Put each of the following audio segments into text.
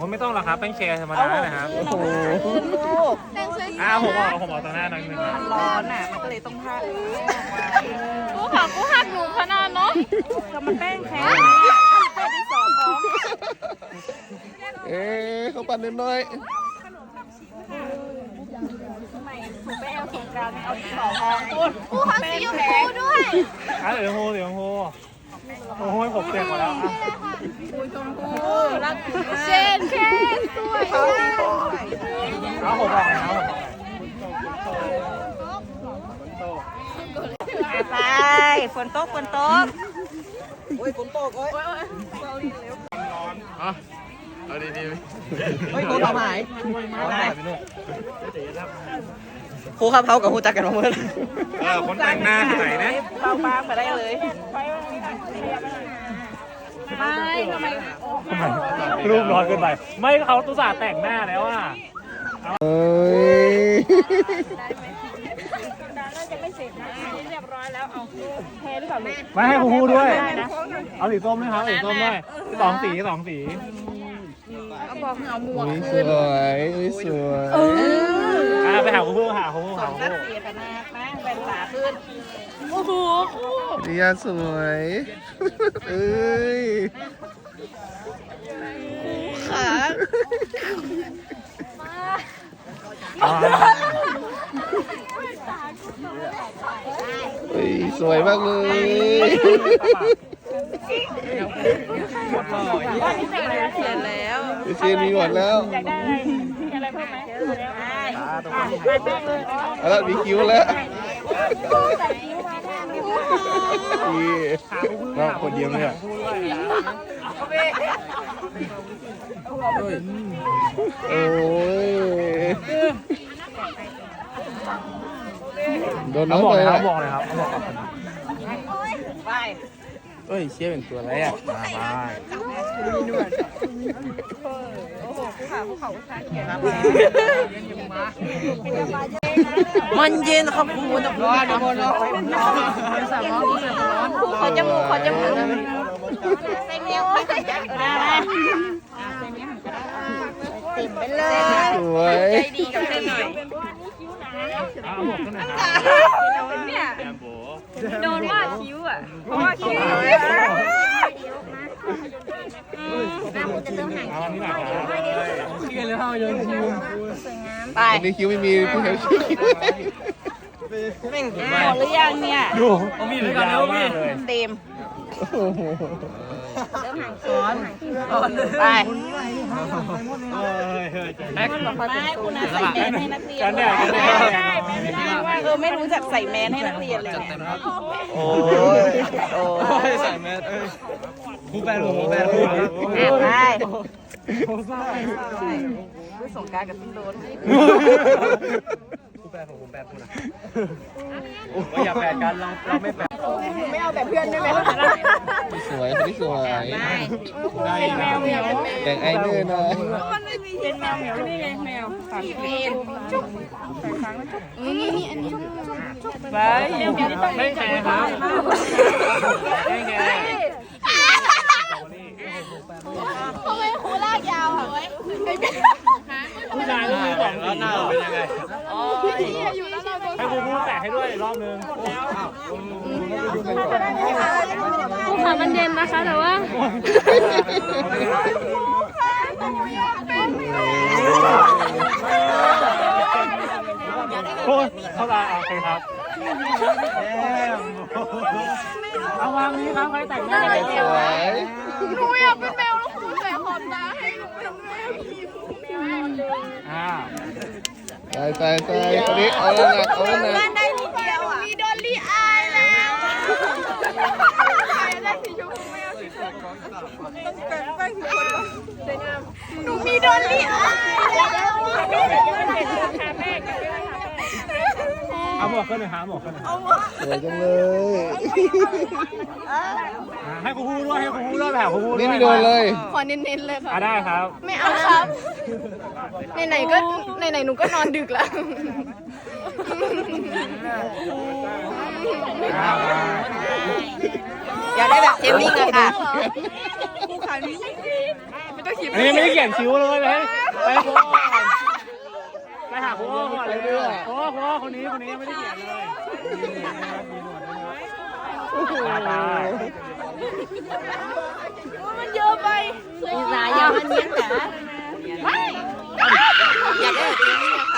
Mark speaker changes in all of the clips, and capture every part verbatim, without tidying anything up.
Speaker 1: อ้ไม่ต้องหรอกครับแป้งแชร์ธรรมดานะครับโอ้โห
Speaker 2: ลูก
Speaker 1: อ้าวผมบอกผมบอกตอนหน้าหน่อยนึงนะ
Speaker 2: ร้อนอ่ะมันก็เลยต้องท่า
Speaker 3: กูขอกูหักหนูขนาดเนาะ
Speaker 2: ก็มันแป้งแข็งเนี่ยแป้งที่สองของ
Speaker 4: เอ๊ะเขาปั่นน้อย
Speaker 2: ทำไมถูกไปเอาสงกรานต์เอาที่สองของคุณ
Speaker 3: กูขอสีชมพูด้วย
Speaker 1: อ่ะเดี๋ยวโฮเดี๋ยวโฮโอ้โหผมเจ็บหมดแล้วอ่ะ
Speaker 2: รักคุณ
Speaker 3: เจนแค่สวย
Speaker 1: เอาผมบอกแล้ว
Speaker 2: ไปฝนตกฝนตก
Speaker 4: ๆอ่ะเอาดี
Speaker 5: เฮ้ยโค้ทำหาย
Speaker 1: เอาหายไปนู่น
Speaker 5: ครูครับเขากับครูจักกันมาเมื่อ
Speaker 1: เออคนแต่งหน้าที่ไหนนะ
Speaker 2: เบาบางมาได้เลยไม่ทำไม
Speaker 1: ทำไมรูปร้อนเกินไปไม่เขาตุส่าห์แต่งหน้าแล้วอ่ะ
Speaker 4: ๆเอ้ย
Speaker 2: เรียบร้อยแล้วเอาแพ้หรือเปล่าลูก
Speaker 1: ไม่ให้ครูด้วย
Speaker 2: ได้นะ
Speaker 1: เอาสีส้มไหมครับสีส้มด้วยสองสีสองสี
Speaker 2: เอาบอกเอาหมวก
Speaker 4: อุ้ยสวยอุ้ยสวย
Speaker 1: อ่ะไปหาครูหาครู
Speaker 2: ส
Speaker 1: หา
Speaker 2: อง
Speaker 1: ค
Speaker 2: นั
Speaker 1: รู
Speaker 2: ดเสียกันนะนะเป็นตาขึ้น
Speaker 3: โอ้โห
Speaker 4: นิยาสวยเอ้ย
Speaker 2: ขา
Speaker 4: เฮ้ยสวยมากเลย
Speaker 2: เสียแล้ว
Speaker 4: พี่เชียนมีหมดแล้ว
Speaker 2: อยากได้อะไรมีอะไรเพิ่มไหมได้
Speaker 4: เอาละมีคิ้วแล้วนี่น้องคนเดียวเนี่ยโอ้ยโดนน้
Speaker 1: เอา
Speaker 4: อง
Speaker 1: บอก
Speaker 4: ไป
Speaker 1: เลยค
Speaker 4: ละ
Speaker 1: รับบอกเลยครับเอาบอกกับคน
Speaker 2: ไป
Speaker 5: เฮ้ยเชี่ยเป็นตัวอะไรอ่ะ
Speaker 1: มาไป
Speaker 2: โอ้โหผู้ขาผู้เขาผู้ชายแก่
Speaker 5: มันเย็นครับครูจะร้อนร้อนร้อน
Speaker 2: ขอจมูกขอจมูกใส่เมียวใส่ยักษ์ได้ติ่มไปเลย
Speaker 4: สวย
Speaker 2: ใจดีกับเส้นหน่อย
Speaker 1: เอาบอกกันหน่อย
Speaker 2: เนี่ย
Speaker 1: แอมโบ
Speaker 2: โดนว่าคิ้วอ่ะเพราะว่าคิ้ว
Speaker 1: เอาอันนี้หน่อยครับ
Speaker 5: เชี่ยเลยเข้าโยนคิว
Speaker 2: ไป
Speaker 4: อันนี้คิ้วไม่มีพี่เฮลคิ้ว
Speaker 2: หมดหรือยังเนี่ย
Speaker 1: ดูเขามีด้วยกันแล้วพี่
Speaker 2: เต็ม
Speaker 4: โอ้โห
Speaker 2: ไป
Speaker 1: แม็ก
Speaker 2: ไม่คุณนะใส่แมสให้นักเรียน
Speaker 1: กันแดดกันแดด
Speaker 2: เออไม่รู้จักใส่แมสให้นักเรียนเลยเนี่ย
Speaker 4: โอ้ยโอ้ย
Speaker 5: ใส่แมสเอ้ยครูแบนครูแบนครู
Speaker 2: ไปผู้สงการกับพี่โดน
Speaker 5: ครูแบนของผมแบนครูนะอย่าแบนกันเราเราไม่แบน
Speaker 2: ไม่เอาแบบเพื่อนได้ไหม
Speaker 4: สวยคนที่สวย
Speaker 1: ได้
Speaker 2: แมวเหมียว
Speaker 4: แต่งไอเนอร์นะ
Speaker 2: เป็นแมวเหมียวนี่ไงแมวสามเป็นจุ๊บใส่ครั้งแล้วจุ๊บนี่นี่อันนี้จุ๊บจุ๊บไปเดี๋ยวนี้ต้อง
Speaker 1: ไม่แคร์ครับไม่แคร์
Speaker 3: ทำไมครูลากยาวอ่ะ
Speaker 1: ผู้ชายต้องมีสองสี
Speaker 5: หน้าเราเป็นยังไง
Speaker 3: อยู่แล้วเราโดน
Speaker 1: ให้ครูพูดแตะให้ด้วยรอบนึง
Speaker 3: ครูขามันเย็นนะคะแต่ว่า
Speaker 1: โอ้ยเข้าตาโอเคครับเอาวางนี้ครับใครแต่งหน้า
Speaker 4: สวย
Speaker 3: หนูอยากเป็นแมวแล้วครูใส่ขอบตาให้หนูเป็นแมว
Speaker 1: อ่า
Speaker 4: ตายตายตายคนนี้เอาแล้วหนักเอาแล้วหนัก
Speaker 3: ได้นิดเดียวอ่ะมีดอลลี่อายแล้วได้สีชมพูไม่เอาสีชมพูหนูมีดอลลี่อายแล้ว
Speaker 1: เอาหมวกขึ้นหน่อยครับหมวกขึ้นหน่อย
Speaker 4: สวยจังเลย
Speaker 1: ให้ครูพูดด้วยให้ครูพูดด้วยแบบครูพูดด้วย
Speaker 4: นี่ไม่โดนเลย
Speaker 3: ขอเน้นๆเลยค่ะ
Speaker 1: อ่ะได้ครับ
Speaker 3: ไม่เอาครับไหนๆก็ไหนๆหนูก็นอนดึกแล้ว
Speaker 2: อยากได้แบบเจมมิ่งอะค่ะ
Speaker 3: ผู้ขานี้ไม่ต้องก็คิด
Speaker 1: อันนี้ไม่ได้เขียนคิ้วเลยไปไปครูอ้อก่อนไปหาครูอ้อก่อนเลยครูอ้อครูอ้อคนนี้คนนี้ไม่ได้เขียนเลยตาตา
Speaker 2: มันเยอะไปอีสายามันเนี้ยแต่ไม่อยากได้แบบนี้ค่ะ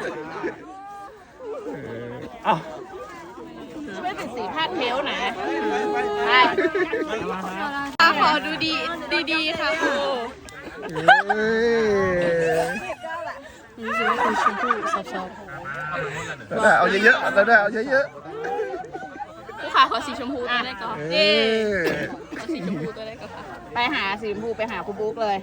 Speaker 1: เอ้า
Speaker 2: ไม่เป็นสีผ้าเทลนะใช่
Speaker 3: ขอดูดีดีๆค่ะครู
Speaker 4: เอ้ยได้เอาเยอะๆได้เอาเยอะ
Speaker 3: ครูขาขอสีชมพูตัวได้ก่อน
Speaker 4: ๆเอ
Speaker 3: เอ๊
Speaker 4: อ
Speaker 3: ขอสีชมพูตัวได้ก่อนค่ะ
Speaker 2: ไปหาสีชมพูไปหาครูบุ๊กเลย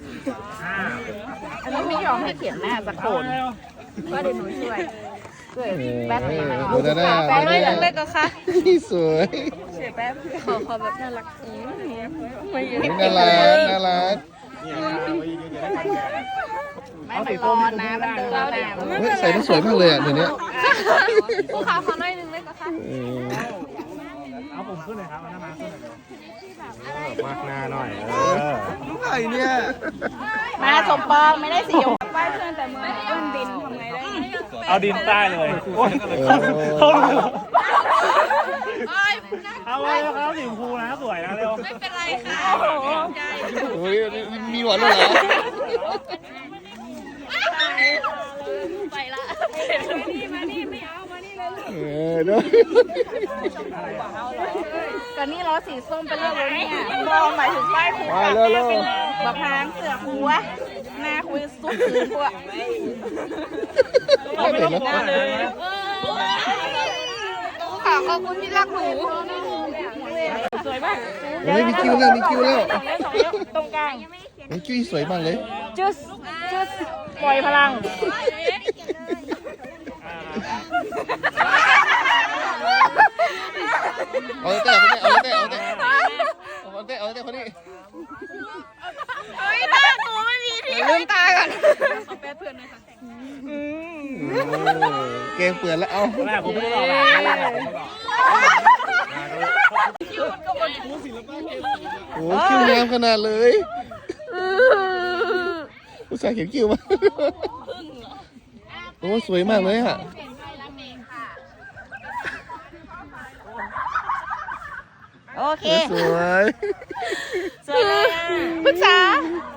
Speaker 2: อันนี้ไม่ยอมให้เขียนหน้าสักคนก็เดี๋ยวหนูช่วยช่วยแป๊บนึงนะ
Speaker 4: ดูหน้า
Speaker 2: แป๊บ
Speaker 4: ห
Speaker 2: นึ
Speaker 4: น้าง
Speaker 3: ได้ก็ค่ะ
Speaker 4: สวย
Speaker 3: ขอขอแบบน่ารักอืมไม่เยอะ
Speaker 4: น่ารักน่ารัก
Speaker 2: ไม่มันร้อนนะมันเดินแล้วนะ
Speaker 4: เฮ้ยใส่มันสวยมากเลยอ่ะเดี๋ยวนี้
Speaker 3: ครูขาขอหน่อยหนึงได้ก็ค่ะ
Speaker 4: เออ
Speaker 1: เอาผมขึ้นเลยครับเอาหน้ามาขึ้นเลยมากหน้าหน่อยเออ
Speaker 4: ลูกไข่เนี่ย
Speaker 2: มาสมปองไม่ได้สีชมพูไปเพื่อนแต่มือเอื้อนดินทำไงได้
Speaker 1: เอาดินใต้เลยโอ้ยเขาเอาเลยครับสีชมพูนะสวยนะเร็ว
Speaker 3: ไม่เป็นไรค่ะ
Speaker 4: เฮ้ยมีหวานด้วยเหรอ
Speaker 3: ไปละ
Speaker 4: เออเด้อ
Speaker 2: ก็นี่ล้อสีส้มเป็นเรื่องเลยเนี่ยมองหมายถึงป้ายครู
Speaker 4: มาเร็วเร็ว
Speaker 2: บักพางเสือครูวะหน้าคุยสุดคืนพวก
Speaker 1: เอาไม่ต้องหน้าเลย
Speaker 3: ครูขาขอบคุณที่รักหนู
Speaker 2: สวยมาก
Speaker 4: เฮ้ยมีคิวแล้วมีคิวแล้ว
Speaker 2: สองเล่มสองเล่มตรงกลาง
Speaker 4: มีคิวสวยมากเลย
Speaker 2: จุสจุสปล่อยพลัง
Speaker 4: เอาแต่คนนี้เอาแต่เอาแต่เอาแต่เอาแต่คนนี้
Speaker 3: เฮ้ยตาหนูไม่มีที่ลืมตาก่อนขอแป๊บเพื่อนหน่อยค่ะ
Speaker 4: เกมเปื่อนแล้วเอา
Speaker 1: แรกผมไม่ได้หรอก
Speaker 4: โอ้คิวงามขนาดเลยอุตส่าห์เขียนคิวมาโอ้สวยมากเลยอ่ะ
Speaker 2: โอเค
Speaker 4: สวย
Speaker 2: สวยเลย
Speaker 3: ปรึกษา